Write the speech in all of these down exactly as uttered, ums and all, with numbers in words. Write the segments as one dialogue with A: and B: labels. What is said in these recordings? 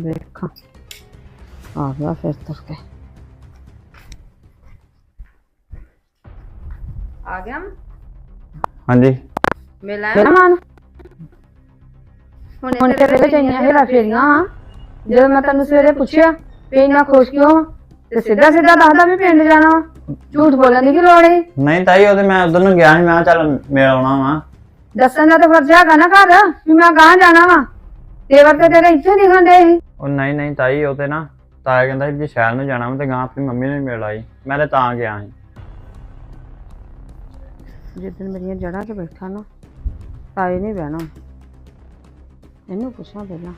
A: देखा आ गया फिर तुर के आ गया
B: हाँ जी
A: मिला मान ਹੁਣ ਤੇਰੇ ਵਿੱਚ ਇੰਨੀਆਂ ਹੇਰਾ ਫੇਰੀਆਂ ਆ ਜਦੋਂ ਮੈਂ ਤੈਨੂੰ ਸਵੇਰੇ ਪੁੱਛਿਆ ਵੀ ਇੰਨਾ ਖੁਸ਼ ਕਿਉਂ ਆ ਤੇ ਸਿੱਧਾ ਸਿੱਧਾ ਦੱਸਦਾ ਵੀ ਪਿੰਡ ਜਾਣਾ ਵਾ ਝੂਠ ਬੋਲਣ ਦੀ ਕੀ ਲੋੜ ਹੈ
B: ਨਹੀਂ ਤਾਈ ਉਹਦੇ ਮੈਂ ਉਧਰ ਨੂੰ ਗਿਆ ਸੀ ਮੈਂ ਕਿਹਾ ਚੱਲ ਮਿਲ ਆਉਣਾ ਵਾ
A: ਦੱਸਣ ਦਾ ਤਾਂ ਫਰਜ਼ ਹੈਗਾ ਨਾ ਘਰ ਵੀ ਮੈਂ ਗਾਂ ਜਾਣਾ ਵਾ ਤੇਵਰ ਤੇ ਤੇਰੇ ਇੱਥੇ ਦਿਖਣ ਦੇ ਸੀ
B: ਉਹ ਨਹੀਂ ਨਹੀਂ ਤਾਈ ਉਹ ਤੇ ਨਾ ਤਾਇਆ ਕਹਿੰਦਾ ਸੀ ਜੇ ਸ਼ਹਿਰ ਨੂੰ ਜਾਣਾ ਵਾ ਤੇ ਗਾਂ ਆਪਣੀ ਮੰਮੀ ਨੂੰ ਹੀ ਮਿਲ ਆਈ ਮੈਂ ਤੇ ਤਾਂ ਗਿਆ ਸੀ
A: ਜਿੱਦਣ ਮੇਰੀਆਂ ਜੜ੍ਹਾਂ 'ਚ ਬੈਠਾ ਨਾ ਤਾਏ ਨਹੀਂ ਬਹਿਣਾ ਇਹਨੂੰ ਪੁੱਛਾਂ ਪਹਿਲਾਂ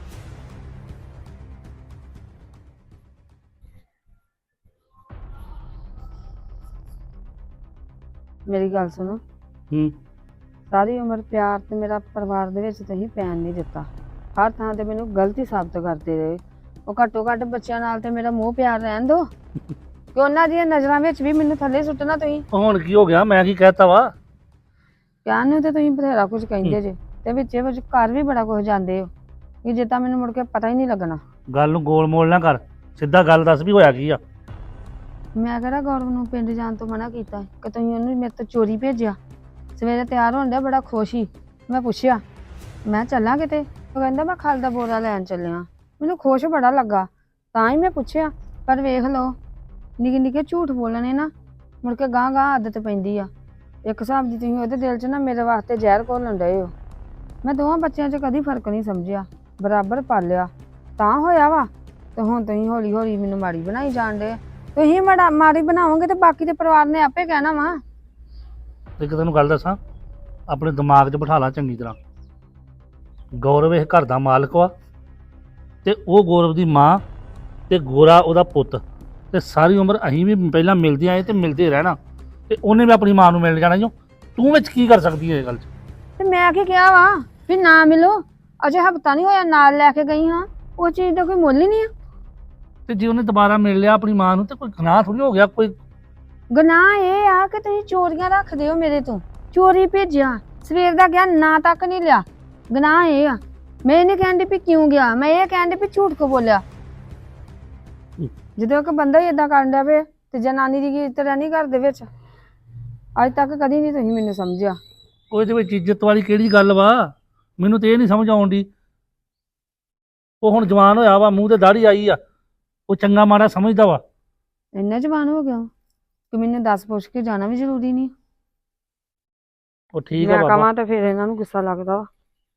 A: ਮੇਰੀ ਗੱਲ ਸੁਣੋ
C: ਹੂੰ
A: ਸਾਰੀ ਉਮਰ ਪਿਆਰ ਤੇ ਮੇਰਾ ਪਰਿਵਾਰ ਦੇ ਵਿੱਚ ਤੁਸੀਂ ਪੈਣ ਨਹੀਂ ਦਿੱਤਾ ਹਰ ਥਾਂ ਤੇ ਮੈਨੂੰ ਗਲਤੀ ਸਾਬਤ ਕਰਦੇ ਰਹੇ ਉਹ ਘੱਟੋ ਘੱਟ ਬੱਚਿਆਂ ਨਾਲ ਤੇ ਮੇਰਾ ਮੋਹ ਪਿਆਰ ਰਹਿਣ ਦਿਓ ਕਿ ਉਹਨਾਂ ਦੀਆਂ ਨਜ਼ਰਾਂ ਵਿੱਚ ਵੀ ਮੈਨੂੰ ਥੱਲੇ ਸੁੱਟਣਾ ਤੁਸੀਂ
C: ਹੁਣ ਕੀ ਹੋ ਗਿਆ ਮੈਂ ਕੀ ਕਹਿਤਾ ਵਾ
A: ਕਹਿਣ ਨੂੰ ਤੇ ਤੁਸੀਂ ਬਥੇਰਾ ਕੁਝ ਕਹਿੰਦੇ ਜੇ ਤੇ ਵਿੱਚੇ ਵਿੱਚ ਘਰ ਵੀ ਬੜਾ ਕੁਝ ਜਾਂਦੇ ਹੋ ਕਿ ਜਿੱਦਾਂ ਮੈਨੂੰ ਮੁੜ ਕੇ ਪਤਾ ਹੀ ਨਹੀਂ ਲੱਗਣਾ
C: ਗੱਲ ਨੂੰ ਗੋਲ ਮੋਲ ਨਾ ਕਰ ਸਿੱਧਾ ਗੱਲ ਦੱਸ ਵੀ ਹੋਇਆ ਕੀ ਆ
A: ਮੈਂ ਕਿਹੜਾ ਗੌਰਵ ਨੂੰ ਪਿੰਡ ਜਾਣ ਤੋਂ ਮਨਾ ਕੀਤਾ ਕਿ ਤੁਸੀਂ ਉਹਨੂੰ ਮੇਰੇ ਤੋਂ ਚੋਰੀ ਭੇਜਿਆ ਸਵੇਰੇ ਤਿਆਰ ਹੋਣ ਡਿਆ ਬੜਾ ਖੁਸ਼ ਸੀ ਮੈਂ ਪੁੱਛਿਆ ਮੈਂ ਚੱਲਾਂ ਕਿਤੇ ਉਹ ਕਹਿੰਦਾ ਮੈਂ ਖਲ ਦਾ ਬੋਰਾ ਲੈਣ ਚੱਲਿਆ ਮੈਨੂੰ ਖੁਸ਼ ਬੜਾ ਲੱਗਾ ਤਾਂ ਹੀ ਮੈਂ ਪੁੱਛਿਆ ਪਰ ਵੇਖ ਲਓ ਨਿੱਕੇ ਨਿੱਕੇ ਝੂਠ ਬੋਲਣੇ ਨਾ ਮੁੜ ਕੇ ਗਾਂ ਗਾਂ ਆਦਤ ਪੈਂਦੀ ਆ ਇੱਕ ਹਿਸਾਬ ਦੀ ਤੁਸੀਂ ਉਹਦੇ ਦਿਲ 'ਚ ਨਾ ਮੇਰੇ ਵਾਸਤੇ ਜ਼ਹਿਰ ਘੋਲਣ ਡਏ ਹੋ ਮੈਂ ਦੋਵਾਂ ਬੱਚਿਆਂ 'ਚ ਕਦੀ ਫਰਕ ਨਹੀਂ ਸਮਝਿਆ ਬਰਾਬਰ ਪਾਲਿਆ ਤਾਂ ਹੋਇਆ ਵਾ ਤੇ ਹੁਣ ਤੁਸੀਂ ਹੌਲੀ ਹੌਲੀ ਮੈਨੂੰ ਮਾੜੀ ਬਣਾਈ ਜਾਣ ਡੇ ਤੁਸੀਂ ਮਾੜਾ ਮਾੜੀ ਬਣਾਓਗੇ ਤੇ ਬਾਕੀ ਦੇ ਪਰਿਵਾਰ ਨੇ ਆਪੇ ਕਹਿਣਾ ਵਾ
C: ਇੱਕ ਤੈਨੂੰ ਗੱਲ ਦੱਸਾਂ ਆਪਣੇ ਦਿਮਾਗ 'ਚ ਬਿਠਾ ਲਾ ਚੰਗੀ ਤਰ੍ਹਾਂ ਗੌਰਵ ਇਹ ਘਰ ਦਾ ਮਾਲਕ ਵਾ ਤੇ ਉਹ ਗੌਰਵ ਦੀ ਮਾਂ ਤੇ ਗੋਰਾ ਉਹਦਾ ਪੁੱਤ ਤੇ ਸਾਰੀ ਉਮਰ ਅਸੀਂ ਵੀ ਪਹਿਲਾਂ ਮਿਲਦੇ ਆਏ ਤੇ ਮਿਲਦੇ ਰਹਿਣਾ ਤੇ ਉਹਨੇ ਵੀ ਆਪਣੀ ਮਾਂ ਨੂੰ ਮਿਲ ਜਾਣਾ ਜੋ ਤੂੰ ਵਿੱਚ ਕੀ ਕਰ ਸਕਦੀ ਹੈ ਇਹ ਗੱਲ 'ਚ
A: ਤੇ ਮੈਂ ਕੀ ਕਿਹਾ ਵਾ ਵੀ ਨਾ ਮਿਲੋ ਅਜੇ ਹਫਤਾ ਨਹੀਂ ਹੋਇਆ ਨਾਲ ਲੈ ਕੇ ਗਈ ਹਾਂ ਉਹ ਚੀਜ਼ ਦਾ ਕੋਈ ਮੁੱਲ ਹੀ ਨਹੀਂ ਆ
C: ਤੇ ਜੇ ਉਹਨੇ ਦੁਬਾਰਾ ਮਿਲ ਲਿਆ ਆਪਣੀ ਮਾਂ ਨੂੰ ਤੇ ਕੋਈ ਗੁਨਾਹ ਥੋੜੀ ਹੋ ਗਿਆ ਕੋਈ
A: ਗੁਨਾਹ ਇਹ ਆ ਕਿ ਤੁਸੀਂ ਚੋਰੀਆਂ ਰੱਖਦੇ ਹੋ ਮੇਰੇ ਤੋਂ ਚੋਰੀ ਭੇਜਿਆ ਸਵੇਰ ਦਾ ਗਿਆ ਨਾ ਤੱਕ ਨਹੀਂ ਲਿਆ ਗੁਨਾਹ ਇਹ ਆ ਮੈਂ ਇਹ ਨਹੀਂ ਕਹਿੰਦੀ ਵੀ ਕਿਉਂ ਗਿਆ ਮੈਂ ਇਹ ਕਹਿੰਦੀ ਵੀ ਝੂਠ ਕੋ ਬੋਲਿਆ ਜਦੋਂ ਇੱਕ ਬੰਦਾ ਹੀ ਏਦਾਂ ਕਰਨ ਡਿਆ ਵੇ ਤੇ ਜਨਾਨੀ ਦੀ ਕੀ ਇੱਜ਼ਤ ਰਹਿਣੀ ਘਰ ਦੇ ਵਿੱਚ ਅੱਜ ਤੱਕ ਕਦੀ ਨਹੀਂ ਤੁਸੀਂ ਮੈਨੂੰ ਸਮਝਿਆ
C: ਉਹਦੇ ਵਿੱਚ ਇੱਜ਼ਤ ਵਾਲੀ ਕਿਹੜੀ ਗੱਲ ਵਾ ਮੈਨੂੰ ਤੇ ਇਹ ਨਹੀਂ ਸਮਝ ਆਉਣ ਦੀ ਉਹ ਹੁਣ ਜਵਾਨ ਹੋਇਆ ਵਾ ਮੂੰਹ ਤੇ ਦਾੜੀ ਆਈ ਆ ਉਹ ਚੰਗਾ ਮਾੜਾ ਸਮਝਦਾ ਵਾ
A: ਇੰਨਾ ਜਵਾਨ ਹੋ ਗਿਆ ਕਿ ਮੈਨੂੰ ਦੱਸ ਪੁੱਛ ਕੇ ਜਾਣਾ ਵੀ ਜ਼ਰੂਰੀ ਨਹੀਂ
C: ਉਹ ਠੀਕ ਆ
A: ਮੈਂ
C: ਬਾਬਾ
A: ਕਹਾਂ ਤਾਂ ਫਿਰ ਇਹਨਾਂ ਨੂੰ ਗੁੱਸਾ ਲੱਗਦਾ ਵਾ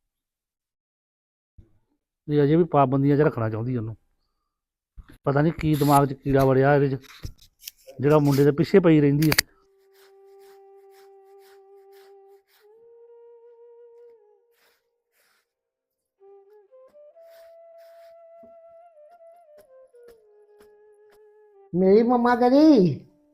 C: ਇਹ ਅਜੇ ਵੀ ਪਾਬੰਦੀਆਂ 'ਚ ਰੱਖਣਾ ਚਾਹੁੰਦੀ ਉਹਨੂੰ ਪਤਾ ਨਹੀਂ ਕੀ ਦਿਮਾਗ 'ਚ ਕੀੜਾ ਵੜਿਆ ਇਹਦੇ 'ਚ ਜਿਹੜਾ ਮੁੰਡੇ ਦੇ ਪਿੱਛੇ ਪਈ ਰਹਿੰਦੀ ਹੈ
D: ਮੇਰੀ ਮੰਮਾ ਕਰੀ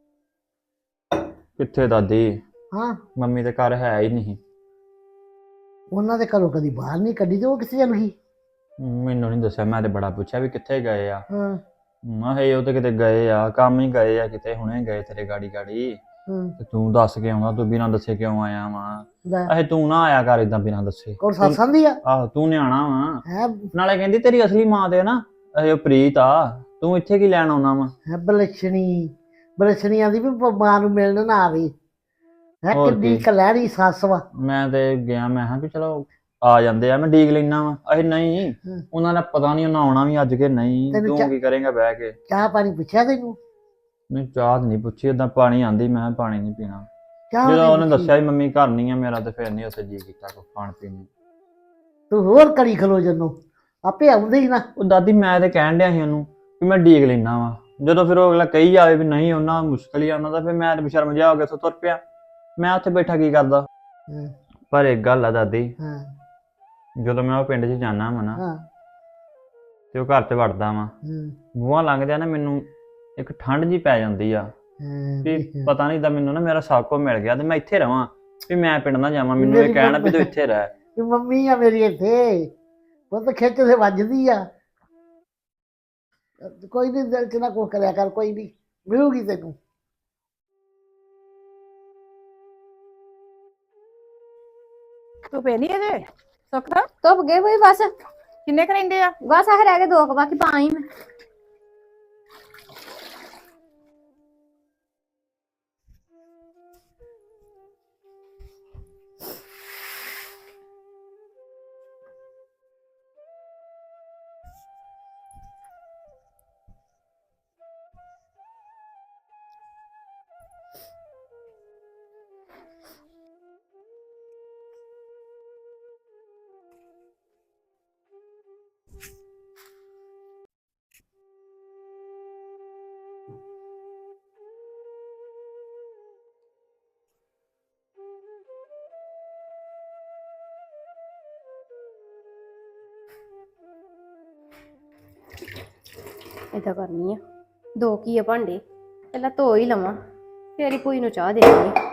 B: ਕਿੱਥੇ ਦਾਦੀ
D: ਹਾਂ
B: ਮੰਮੀ ਦੇ ਘਰ ਹੈ ਹੀ ਨਹੀਂ
D: ਉਹਨਾਂ ਦੇ ਘਰੋਂ ਕਦੀ ਬਾਹਰ ਨਹੀਂ ਕੱਢੀ ਤੇ ਉਹ ਕਿੱਥੇ ਚਲ ਗਈ
B: ਮੈਨੂੰ ਨਹੀਂ ਦੱਸਿਆ ਮੈਂ ਤੇ ਬੜਾ ਪੁੱਛਿਆ ਵੀ ਕਿੱਥੇ ਗਏ ਆ
D: ਹਾਂ
B: ਮੈਂ ਕਿਹਾ ਉਹ ਤੇ ਕਿਤੇ ਗਏ ਆ ਕੰਮ ਹੀ ਗਏ ਆ ਕਿਤੇ ਹੁਣੇ ਗਏ ਤੇਰੇ ਗਾੜੀ ਗਾੜੀ
D: ਹਾਂ
B: ਤੇ ਤੂੰ ਦੱਸ ਕੇ ਆਉਂਦਾ ਤੂੰ ਬਿਨਾਂ ਦੱਸੇ ਕਿਉਂ ਆਇਆ ਵਾ
D: ਲੈ
B: ਅਹੇ ਤੂੰ ਨਾ ਆਇਆ ਕਰ ਇਦਾਂ ਬਿਨਾਂ ਦੱਸੇ
D: ਕੋਲ ਸਾਸਾਂ ਦੀ ਆ
B: ਆਹੋ ਤੂੰ ਨਿਆਣਾ ਵਾ
D: ਹੈ
B: ਨਾਲੇ ਕਹਿੰਦੀ ਤੇਰੀ ਅਸਲੀ ਮਾਂ ਤੇ ਨਾ ਇਹ ਪ੍ਰੀਤ ਆ ਤੂੰ ਇੱਥੇ ਕੀ ਲੈਣ ਆਉਣਾ ਵਾ
D: ਹੈ ਬਲਛਣੀ ਬਲਛਣੀ ਆਂਦੀ ਵੀ ਪ- ਮਾਂ ਨੂੰ ਮਿਲਣ ਨਾ ਆਵੇ ਹੈ
B: ਹੋਰ
D: ਕਿੱਡੀ
B: ਕੀ।
D: ਕਲਹਿਰੀ ਸੱਸ ਵਾ
B: ਮੈਂ ਤੇ ਗਿਆ ਮੈਂ ਕਿਹਾ ਵੀ ਚਲੋ ਆ ਜਾਂਦੇ ਆ ਮੈਂ ਡੀਕ ਲੈਣਾ ਵਾ ਅਹੇ ਨਹੀਂ
D: ਹਮ।
B: ਉਹਨਾਂ ਦਾ ਪਤਾ ਨਹੀਂ ਉਹਨਾਂ ਆਉਣਾ ਵੀ ਅੱਜ ਕੇ ਨਹੀਂ
D: ਤੈਨੂੰ
B: ਤੂੰ
D: ਚਾ-
B: ਕੀ ਕਰੇਂਗਾ ਬਹਿ ਕੇ
D: ਚਾਹ ਪਾਣੀ ਪੁੱਛਿਆ ਤੈਨੂੰ
B: ਨਹੀਂ ਚਾਹ ਤਾਂ ਨਹੀਂ ਪੁੱਛੀ ਏਦਾਂ ਪਾਣੀ ਆਂਦੀ ਮੈਂ ਕਿਹਾ ਪਾਣੀ ਨਹੀਂ ਪੀਣਾ
D: ਚਾਹ
B: ਜਦੋਂ
D: ਨਹੀਂ
B: ਉਹਨੇ
D: ਪੁੱਛੀ।
B: ਦੱਸਿਆ ਵੀ ਮੰਮੀ ਘਰ ਨਹੀਂ ਆ ਮੇਰਾ ਤੇ ਫਿਰ ਨਹੀਂ ਉੱਥੇ ਜੀ ਕੀਤਾ ਕੋ ਖਾਣ ਪੀਣ ਨੂੰ
D: ਤੂੰ ਹੋਰ ਕੜੀ ਖਲੋ ਜਨੂੰ ਆਪੇ ਆਉਂਦੇ ਹੀ ਨਾ
B: ਉਹ ਦਾਦੀ ਮੈਂ ਤੇ ਕਹਿਣ ਡਿਆ ਸੀ ਉਹਨੂੰ ਵੀ ਮੈਂ ਡੀਕ ਲੈਣਾ ਵਾ ਜਦੋਂ ਫਿਰ ਉਹ ਅਗਲਾ ਕਹੀ ਜਾਵੇ ਵੀ ਨਹੀਂ ਉਹਨਾਂ ਮੁਸ਼ਕਲ ਹੀ ਆ ਉਹਨਾਂ ਦਾ ਫਿਰ ਮੈਂ ਤੇ ਬਸ਼ਰਮ ਜਿਹਾ ਹੋ ਗਿਆ ਉੱਥੋਂ ਤੁਰ ਪਿਆ ਮੈਂ ਉੱਥੇ ਬੈਠਾ ਕੀ ਕਰਦਾ
D: ਹਾਂ
B: ਪਰ ਇੱਕ ਗੱਲ ਆ ਦਾਦੀ
D: ਹਾਂ
B: ਜਦੋਂ ਮੈਂ ਉਹ ਪਿੰਡ 'ਚ ਜਾਣਾ ਵਾ ਨਾ
D: ਹਾਂ
B: ਤੇ ਉਹ ਘਰ 'ਚ ਵੜਦਾ ਵਾ
D: ਹਾਂ,
B: ਬੂਹਾ ਲੰਘਦਿਆਂ ਨਾ ਮੈਨੂੰ ਇੱਕ ਠੰਡ ਜੀ ਪੈ ਜਾਂਦੀ ਆ
D: ਹਾਂ,
B: ਵੀ
D: ਵੀ-
B: ਪਤਾ ਨਹੀਂ ਤਾਂ ਮੈਨੂੰ ਨਾ ਮੇਰਾ ਸਭ ਕੁਝ ਮਿਲ ਗਿਆ ਤੇ ਮੈਂ ਇੱਥੇ ਰਵਾਂ ਵੀ ਮੈਂ ਪਿੰਡ ਨਾ ਜਾਵਾਂ ਮੈਨੂੰ ਇਹ
D: ਮੇਰੀ
B: ਕਹਿਣਾ ਵੀ ਤੂੰ
D: ਮੰਮੀ-
B: ਇੱਥੇ ਰਹਿ
D: ਵੀ ਮੰਮੀ ਆ ਮੇਰੀ ਇੱਥੇ ਉਹ ਤਾਂ ਖਿੱਚ ਤੇ ਵੱਜਦੀ ਆ ਕੋਈ ਨਹੀਂ ਦਿਲ ਚ ਨਾ ਕੋ ਕਰਿਆ ਕਰ ਕੋਈ ਨਹੀਂ ਮਿਲੂਗੀ ਤੈਨੂੰ
E: ਤੂੰ ਪੈ ਨਹੀਂ ਅਜੇ ਸੁੱਖ
A: ਧੁੱਪ ਗਏ ਬਈ ਬਸ
E: ਕਿੰਨੇ ਕੁ ਰਹਿੰਦੇ ਆ?
F: ਬਸ ਆਹ ਰਹਿ ਗਏ ਦੋ ਕੁ, ਬਾਕੀ ਪਾਈ ਮੈਂ। ਏਦਾਂ ਕਰਨੀ ਆ, ਦੋ ਕੀ ਆ ਭਾਂਡੇ, ਪਹਿਲਾਂ ਧੋ ਹੀ ਲਵਾਂ ਫੇਰ ਹੀ ਭੂਈ ਨੂੰ ਚਾਹ ਦੇਣੀ ਆ।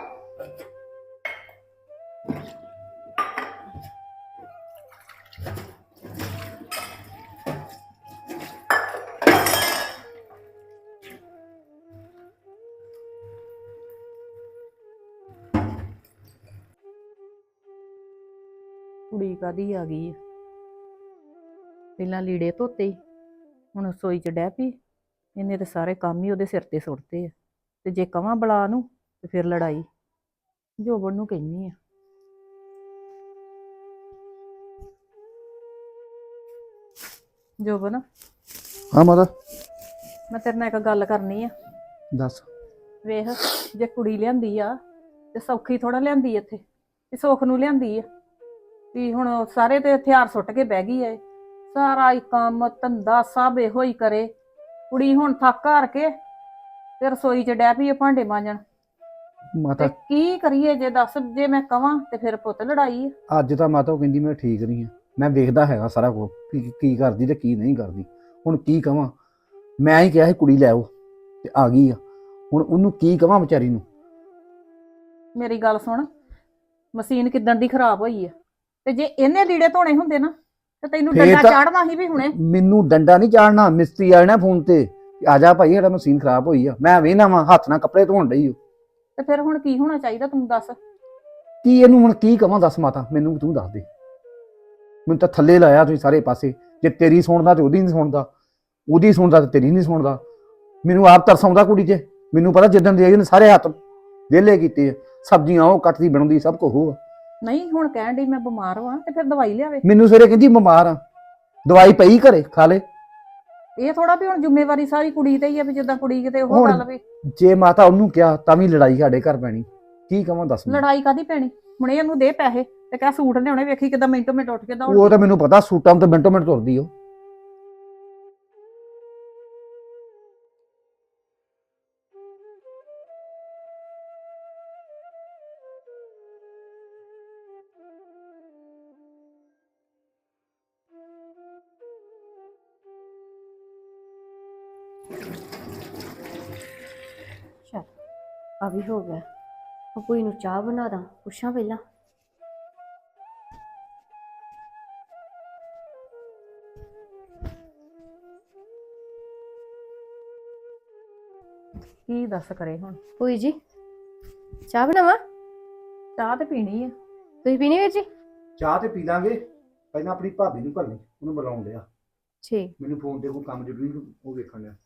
E: ਕੁੜੀ ਕਾਦੀ ਆ ਗਈ ਆ? ਪਹਿਲਾਂ ਲੀੜੇ ਧੋਤੇ ਈ, ਹੁਣ ਰਸੋਈ ਚ ਡਹਿ ਪਈ। ਇਹਨੇ ਤੇ ਸਾਰੇ ਕੰਮ ਹੀ ਉਹਦੇ ਸਿਰ ਤੇ ਸੁੱਟਦੇ ਆ, ਤੇ ਜੇ ਕਵਾਂ ਬੁਲਾ ਨੂੰ ਤੇ ਫਿਰ ਲੜਾਈ। ਜੋਬਨ ਨੂੰ ਕਹਿੰਨੀ ਆ। ਜੋਬਨ,
G: ਹਾਂ ਮਾਤਾ
E: ਮੈਂ ਤੇਰੇ ਨਾਲ ਇੱਕ ਗੱਲ ਕਰਨੀ ਆ।
G: ਦੱਸ।
E: ਵੇਖ, ਜੇ ਕੁੜੀ ਲਿਆਂਦੀ ਆ ਤੇ ਸੌਖੀ ਥੋੜਾ ਲਿਆਂਦੀ ਇੱਥੇ, ਤੇ ਸੁੱਖ ਨੂੰ ਲਿਆਂਦੀ ਆ। ਵੀ ਹੁਣ ਸਾਰੇ ਤੇ ਹਥਿਆਰ ਸੁੱਟ ਕੇ ਬਹਿ ਗਈ ਐ, ਸਾਰਾ ਹੀ ਕੰਮ ਧੰਦਾ ਸਭ ਇਹੋ ਹੀ ਕਰੇ। ਕੁੜੀ ਹੁਣ ਥੱਕ ਹਾਰ ਕੇ ਤੇ ਰਸੋਈ ਚ ਡਹਿ ਪਈ ਆ ਭਾਂਡੇ ਮਾਂਜਣ।
G: ਮਾਤਾ
E: ਤੇ ਕੀ ਕਰੀਏ? ਜੇ ਦੱਸ, ਜੇ ਮੈਂ ਕਵਾਂ ਤੇ ਫਿਰ ਪੁੱਤ ਲੜਾਈ ਆ।
G: ਅੱਜ ਤਾਂ ਮਾਤਾ ਉਹ ਕਹਿੰਦੀ ਮੈਂ ਠੀਕ ਨਹੀਂ ਆ, ਮੈਂ ਵੇਖਦਾ ਹੈਗਾ ਸਾਰਾ ਕੁਝ ਕੀ ਕੀ ਕਰਦੀ ਤੇ ਕੀ ਨਹੀਂ ਕਰਦੀ। ਹੁਣ ਕੀ ਕਵਾਂ? ਮੈਂ ਹੀ ਕਿਹਾ ਸੀ ਕੁੜੀ ਲੈ ਆਓ ਤੇ ਆ ਗਈ ਆ, ਹੁਣ ਉਹਨੂੰ ਕੀ ਕਵਾਂ ਵਿਚਾਰੀ ਨੂੰ?
E: ਮੇਰੀ ਗੱਲ ਸੁਣ, ਮਸ਼ੀਨ ਕਿੱਦਣ ਦੀ ਖਰਾਬ ਹੋਈ ਆ, ਤੇ ਜੇ ਇਹਨੇ ਲੀੜੇ ਧੋਣੇ ਹੁੰਦੇ ਨਾ ਤੇ ਤੈਨੂੰ
G: ਫੇਰ
E: ਡੰਡਾ
G: ਤਾਂ-
E: ਚਾੜਨਾ ਸੀ ਵੀ ਹੁਣੇ।
G: ਮੈਨੂੰ ਡੰਡਾ ਨਹੀਂ ਚਾੜਨਾ, ਮਿਸਤਰੀ ਆਣਾ ਫੋਨ ਤੇ ਆ ਜਾ ਭਾਈ ਸਾਡਾ ਮਸ਼ੀਨ ਖਰਾਬ ਹੋਈ ਆ। ਮੈਂ ਵੇਖਣਾ ਵਾ ਹੱਥ ਨਾਲ ਕੱਪੜੇ ਧੋਣ ਡਈ ਓ।
E: ਤੇ ਫਿਰ ਹੁਣ ਕੀ ਹੋਣਾ ਚਾਹੀਦਾ ਤੂੰ ਦੱਸ।
G: ਕੀ ਇਹਨੂੰ ਹੁਣ ਕੀ ਕਵਾਂ? ਦੱਸ ਮਾਤਾ, ਮੈਨੂੰ ਤੂੰ ਦੱਸ ਦੇ। ਮੈਨੂੰ ਤਾਂ ਥੱਲੇ ਲਾਇਆ ਤੁਸੀਂ ਸਾਰੇ ਪਾਸੇ। ਜੇ ਤੇਰੀ ਸੁਣਦਾ ਤੇ ਉਹਦੀ ਨਹੀਂ ਸੁਣਦਾ, ਉਹਦੀ ਸੁਣਦਾ ਤੇ ਤੇਰੀ ਨਹੀਂ ਸੁਣਦਾ। ਮੈਨੂੰ ਆਪ ਤਰਸ ਆਉਂਦਾ ਕੁੜੀ 'ਚ। ਮੈਨੂੰ ਪਤਾ ਜਿੱਦਣ ਦੇ ਇਹਨੇ ਸਾਰੇ ਹੱਥ ਵਿਹਲੇ ਕੀਤੇ ਆ, ਸਬਜ਼ੀਆਂ ਉਹ ਕੱਟਦੀ ਬਣਾਉਂਦੀ ਸਭ ਕੁਝ ਉਹ ਆ।
E: ਨਹੀਂ, ਹੁਣ ਕਹਿਣ ਡਈ ਮੈਂ ਬਿਮਾਰ ਵਾਂ ਤੇ ਫਿਰ ਦਵਾਈ ਲਿਆਵੇ।
G: ਮੈਨੂੰ ਸਵੇਰੇ ਕਹਿੰਦੀ ਬਿਮਾਰ ਆ, ਦਵਾਈ ਪਈ ਘਰੇ ਖਾ ਲੈ।
E: ਇਹ ਥੋੜਾ ਵੀ ਹੁਣ ਜ਼ਿੰਮੇਵਾਰੀ ਸਾਰੀ ਕੁੜੀ ਤੇ ਹੀ ਆ, ਵੀ ਜਿੱਦਾਂ ਕੁੜੀ ਕਿਤੇ ਉਹ
G: ਹੁਣ
E: ਗੱਲ ਵੀ।
G: ਜੇ ਮਾਤਾ ਉਹਨੂੰ ਕਿਹਾ ਤਾਂ ਵੀ ਲੜਾਈ ਸਾਡੇ ਘਰ ਪੈਣੀ। ਕੀ ਕਵਾਂ ਦੱਸ ਮੈਨੂੰ?
E: ਲੜਾਈ ਕਾਦੀ ਪੈਣੀ? ਹੁਣੇ ਇਹਨੂੰ ਦੇ ਪੈਸੇ ਤੇ ਕਹਿ ਸੂਟ ਲਿਆਉਣੇ, ਵੇਖੀ ਕਿਦਾਂ ਮਿੰਟੋ ਮਿੰਟ ਉੱਠ ਕੇ ਦੌੜ।
G: ਉਹ ਤਾਂ ਮੈਨੂੰ ਪਤਾ, ਸੂਟਾਂ ਨੂੰ ਤਾਂ ਮਿੰਟੋ ਮਿੰਟ ਤੁਰਦੀ ਉਹ।
F: ਚੱਲ ਆ ਵੀ ਹੋ ਗਿਆ। ਉਹ ਭੂਈ ਨੂੰ ਚਾਹ ਬਣਾ ਦਾਂ, ਪੁੱਛਾਂ ਪਹਿਲਾਂ।
E: ਕੀ ਦੱਸ ਕਰੇ ਹੁਣ?
F: ਭੂਈ ਜੀ ਚਾਹ ਬਣਾਵਾਂ?
E: ਚਾਹ ਤੇ ਪੀਣੀ ਆ।
F: ਤੁਸੀਂ ਪੀਣੀ ਵੀਰ ਜੀ?
G: ਚਾਹ ਤੇ ਪੀ ਲਾਂਗੇ, ਪਹਿਲਾਂ ਆਪਣੀ ਭਾਬੀ ਨੂੰ ਘੱਲੀ, ਉਹਨੂੰ ਬੁਲਾਉਣ ਲਿਆ।
F: ਠੀਕ।
G: ਮੈਨੂੰ ਫੋਨ ਤੇ ਕੋਈ ਕੰਮ ਜ਼ਰੂਰੀ ਉਹ ਵੇਖਣ ਲਿਆ।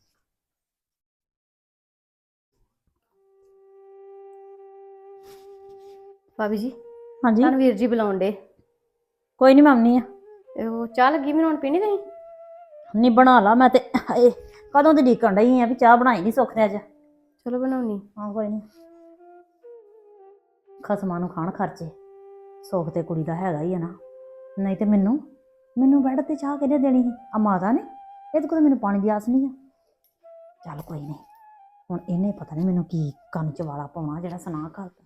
F: ਭਾਬੀ ਜੀ
E: ਹਾਂਜੀ,
F: ਤੁਹਾਨੂੰ ਵੀਰ ਜੀ ਬੁਲਾਉਣ ਡੇ।
E: ਕੋਈ ਨਹੀਂ, ਮੈਂ ਆਉਣੀ ਆ।
F: ਉਹ ਚਾਹ ਲੱਗੀ ਮੈਨੂੰ, ਹੁਣ ਪੀਣੀ ਤੁਸੀਂ?
E: ਨਹੀਂ, ਬਣਾ ਲਾ। ਮੈਂ ਤੇ ਹਾਏ ਕਦੋਂ ਦੀ ਡੀਕਣ ਡਈ ਆ ਵੀ ਚਾਹ ਬਣਾਈ ਨਹੀਂ ਸੁੱਖ ਨੇ ਅੱਜ।
F: ਚਲੋ ਬਣਾਉਣੀ।
E: ਹਾਂ, ਕੋਈ ਨਹੀਂ। ਖਸਮਾਂ ਨੂੰ ਖਾਣ ਖਰਚੇ, ਸੁੱਖ ਤੇ ਕੁੜੀ ਦਾ ਹੈਗਾ ਹੀ ਆ ਨਾ। ਨਹੀਂ ਤੇ ਮੈਨੂੰ ਮੈਨੂੰ ਬੈੱਡ ਤੇ ਚਾਹ ਕਿਹਨੇ ਦੇਣੀ ਸੀ? ਆ ਮਾਤਾ ਨੇ। ਇਹਦੇ ਕੋਲ ਮੈਨੂੰ ਪਾਣੀ ਦੀ ਆਸ ਨਹੀਂ ਆ। ਚੱਲ ਕੋਈ ਨਹੀਂ, ਹੁਣ ਇਹਨੇ ਪਤਾ ਨਹੀਂ ਮੈਨੂੰ ਕੀ ਕੰਨ ਚ ਵਾਲਾ ਪਾਉਣਾ ਜਿਹੜਾ ਸੁਣਾ ਕਰਦਾ।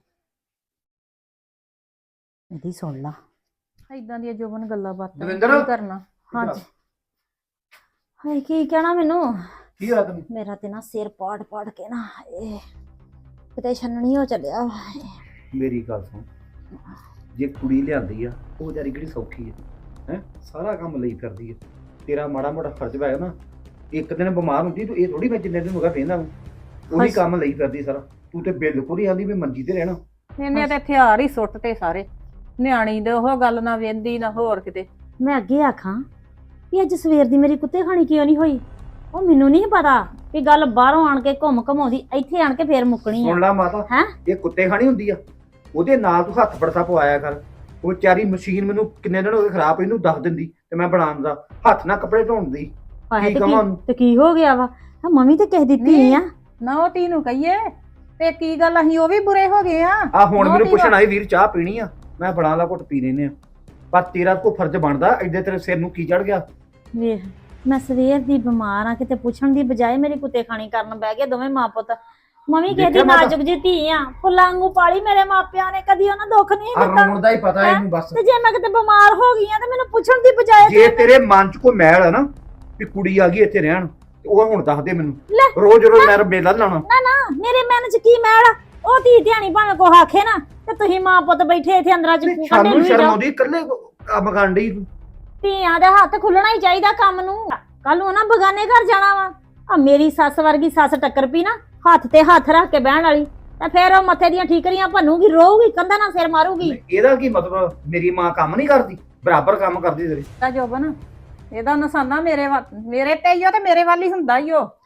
E: ਇਹਦੀ ਸੁਣ ਲਾ। ਏਦਾਂ ਦੀਆਂ ਜੋਬਨ ਗੱਲਾਂ ਬਾਤਾਂ
G: ਦਵਿੰਦਰ?
E: ਕੀ ਕਰਨਾ। ਹਾਂਜੀ। ਹਾਏ ਕੀ ਕਹਿਣਾ ਮੈਨੂੰ?
G: ਕੀ ਹੋਇਆ ਤੈਨੂੰ?
E: ਮੇਰਾ ਤੇ ਨਾ ਸਿਰ ਪਾੜ ਪਾੜ ਕੇ ਨਾ ਇਹ ਕਿਤੇ ਛੰਨਣੀ ਹੋ ਚੱਲਿਆ।
G: ਮੇਰੀ ਗੱਲ ਸੁਣ, ਜੇ ਕੁੜੀ ਲਿਆਂਦੀ ਆ ਉਹ ਵਿਚਾਰੀ ਕਿਹੜੀ ਸੌਖੀ ਹੈ ਹੈ ਸਾਰਾ ਕੰਮ ਲਈ ਕਰਦੀ ਹੈ। ਤੇਰਾ ਮਾੜਾ ਮੋਟਾ ਫਰਜ਼ ਹੋਇਆ ਨਾ, ਇੱਕ ਦਿਨ ਬਿਮਾਰ ਹੁੰਦੀ ਤੂੰ ਇਹ ਥੋੜੀ ਮੈਂ ਜਿੰਨੇ ਦਿਨ ਹੋ ਗਿਆ ਵੇਂਦਾ ਉਹੀ ਕੰਮ ਲਈ ਕਰਦੀ ਸਾਰਾ। ਤੂੰ ਤੇ ਬਿਲਕੁਲ ਹੀ ਆਂਦੀ ਵੀ ਮੰਜੀ ਤੇ ਰਹਿਣਾ।
E: ਇਹਨੇ ਤੇ ਹਥਿਆਰ ਹੀ ਸੁੱਟ ਤੇ ਸਾਰੇ। ਨਿਆਣੀ ਦੇ ਉਹ ਗੱਲ ਨਾ ਵੇਂਦੀ ਨਾ ਹੋਰ ਕਿਤੇ।
H: ਮੈਂ ਅੱਗੇ ਆਖਾਂ ਵੀ ਅੱਜ ਸਵੇਰ ਦੀ ਮੇਰੀ ਕੁੱਤੇ ਖਾਣੀ ਕਿਉਂ ਨਹੀਂ ਹੋਈ। ਉਹ ਮੈਨੂੰ ਨਹੀਂ ਪਤਾ ਵੀ ਗੱਲ ਬਾਹਰੋਂ ਆਣ ਕੇ ਘੁੰਮ ਘਮਾਉਂਦੀ ਇੱਥੇ ਆਣ ਕੇ ਫੇਰ ਮੁੱਕਣੀ ਆ।
G: ਸੁਣ ਲਾ ਮਾਤਾ,
H: ਹੈਂ?
G: ਇਹ ਕੁੱਤੇ ਖਾਣੀ ਹੁੰਦੀ ਆ। ਉਹਦੇ ਨਾਲ ਤੂੰ ਹੱਥ ਬੜਤਾ ਪਵਾਇਆ ਕਰ। ਉਹ ਚਾਰੀ ਮਸ਼ੀਨ ਮੈਨੂੰ ਕਿੰਨੇ ਦਿਨ ਹੋ ਗਏ ਖਰਾਬ, ਇਹਨੂੰ ਦੱਸ ਦਿੰਦੀ ਤੇ ਮੈਂ ਬਣਾਉਣ ਦਾ ਹੱਥ ਨਾਲ ਕੱਪੜੇ ਧੋਣ ਦੀ।
H: ਆਹੇ
G: ਕੀ
H: ਤੇ
G: ਕਵਾਂ
H: ਕੀ ਤੇ ਕੀ ਹੋ ਗਿਆ ਵਾ ਆ ਮੰਮੀ ਤੇ ਕਹਿ ਦਿੱਤੀ
E: ਨਹੀਂ।
H: ਆ।
E: ਨਾ ਉਹ ਤੀ ਨੂੰ ਕਹੀਏ ਤੇ ਕੀ ਗੱਲ ਅਸੀਂ ਉਹ ਵੀ ਬੁਰੇ ਹੋ ਗਏ ਆ।
G: ਆ ਹੁਣ
E: ਨਹੁੰ
G: ਮੈਨੂੰ
E: ਧੀ
G: ਪੁੱਛਣ ਆਈ ਵੀਰ ਚਾਹ ਪੀਣੀ ਆ, ਮੈਂ ਬਣਾ ਲਾ ਘੁੱਟ ਪੀ ਲੈਨੇ ਆ। ਪਰ ਤੇਰਾ ਕੋ ਫਰਜ਼ ਬਣਦਾ, ਐਡੇ ਤੇਰੇ ਸਿਰ ਨੂੰ ਕੀ ਚੜ ਗਿਆ?
H: ਵੇਖ ਮੈਂ ਸਵੇਰ ਦੀ ਬਿਮਾਰ ਆ, ਕਿਤੇ ਪੁੱਛਣ ਦੀ ਬਜਾਏ ਮੇਰੀ ਕੁੱਤੇ ਖਾਣੀ ਕਰਨ ਬਹਿ ਗਏ ਦੋਵੇਂ ਮਾਂ ਪੁੱਤ। ਮੰਮੀ ਕਹਿੰਦੀ
G: ਦੇਖਿਆ ਮਾਤਾ?
H: ਨਾਜ਼ੁਕ ਜੀ ਧੀ ਆ, ਫੁੱਲਾਂ ਵਾਂਗੂ ਪਾਲੀ ਮੇਰੇ ਮਾਪਿਆਂ ਨੇ, ਕਦੀ ਉਹਨਾਂ ਦੁੱਖ ਨਹੀਂ
G: ਆ
H: ਦਿੱਤਾ।
G: ਰੋਣ ਦਾ ਹੀ ਪਤਾ
H: ਹੈਂ?
G: ਇਹਨੂੰ ਬਸ।
H: ਤੇ ਜੇ ਮੈਂ ਕਿਤੇ ਬਿਮਾਰ ਹੋ ਗਈ ਆ ਤੇ ਮੈਨੂੰ ਪੁੱਛਣ ਦੀ ਬਜਾਏ
G: ਜੇ ਤੇਰੇ ਮਨ 'ਚ ਕੋਈ ਮੈਲ ਆ ਨਾ ਵੀ ਕੁੜੀ ਆ ਗਈ ਇੱਥੇ ਰਹਿਣ, ਤੇ ਉਹ ਹੁਣ ਦੱਸ ਦੇ
H: ਲੈ।
G: ਮੈਨੂੰ। ਰੋਜ਼ ਰੋਜ਼ ਮੈਂ ਮੇਲਾ ਲਾਉਣਾ।
H: ਨਾ ਨਾ ਮੇਰੇ ਮਨ ਚ ਕੀ ਮੈਲ ਆ? ਉਹ ਧੀ ਧਿਆਣੀ ਭਾਵੇਂ ਕੋ ਆਖੇ ਨਾ ਤੇ ਤੁਸੀਂ ਮਾਂ ਪੁੱਤ ਬੈਠੇ ਇੱਥੇ ਅੰਦਰਾਂ ਚ ਕੱਢੇ
G: ਸਾਨੂੰ
H: ਨਹੀਂ
G: ਸ਼ਰਮ
H: ਜਾਓ।
G: ਆਉਂਦੀ, ਇਕੱਲੇ ਕੰਮ ਕਰਨ ਡਈ ਤੂੰ।
H: ਧੀਆਂ ਦਾ ਹੱਥ ਖੁੱਲਣਾ ਹੀ ਚਾਹੀਦਾ ਕੰਮ ਨੂੰ। ਕੱਲ ਨੂੰ ਨਾ ਬਗਾਨੇ ਘਰ ਜਾਣਾ ਵਾ। ਆ ਮੇਰੀ ਸੱਸ ਵਰਗੀ ਸੱਸ ਟੱਕਰ ਪਈ ਨਾ ਹੱਥ ਤੇ ਹੱਥ ਰੱਖ ਕੇ ਬਹਿਣ ਵਾਲੀ, ਤੇ ਫਿਰ ਉਹ ਮੱਥੇ ਦੀਆਂ ਠੀਕਰੀਆਂ ਭੰਨੂਗੀ, ਰੋਊਗੀ, ਕੰਧਾਂ ਨਾਲ ਸਿਰ ਮਾਰੂਗੀ।
G: ਇਹਦਾ ਕੀ ਮਤਲਬ? ਮੇਰੀ ਮਾਂ ਕੰਮ ਨਹੀਂ ਕਰਦੀ? ਬਰਾਬਰ ਕੰਮ ਕਰਦੀ ਤੇਰੇ।
E: ਤਾਂ ਜੋਬਨ ਇਹਦਾ ਨਿਸ਼ਾਨਾ ਮੇਰੇ ਵੱਲ ਮੇਰੇ ਤੇ ਹੀ ਓ ਤੇ ਮੇਰੇ ਵੱਲ ਹੀ ਹੁੰਦਾ ਹੀ ਉਹ।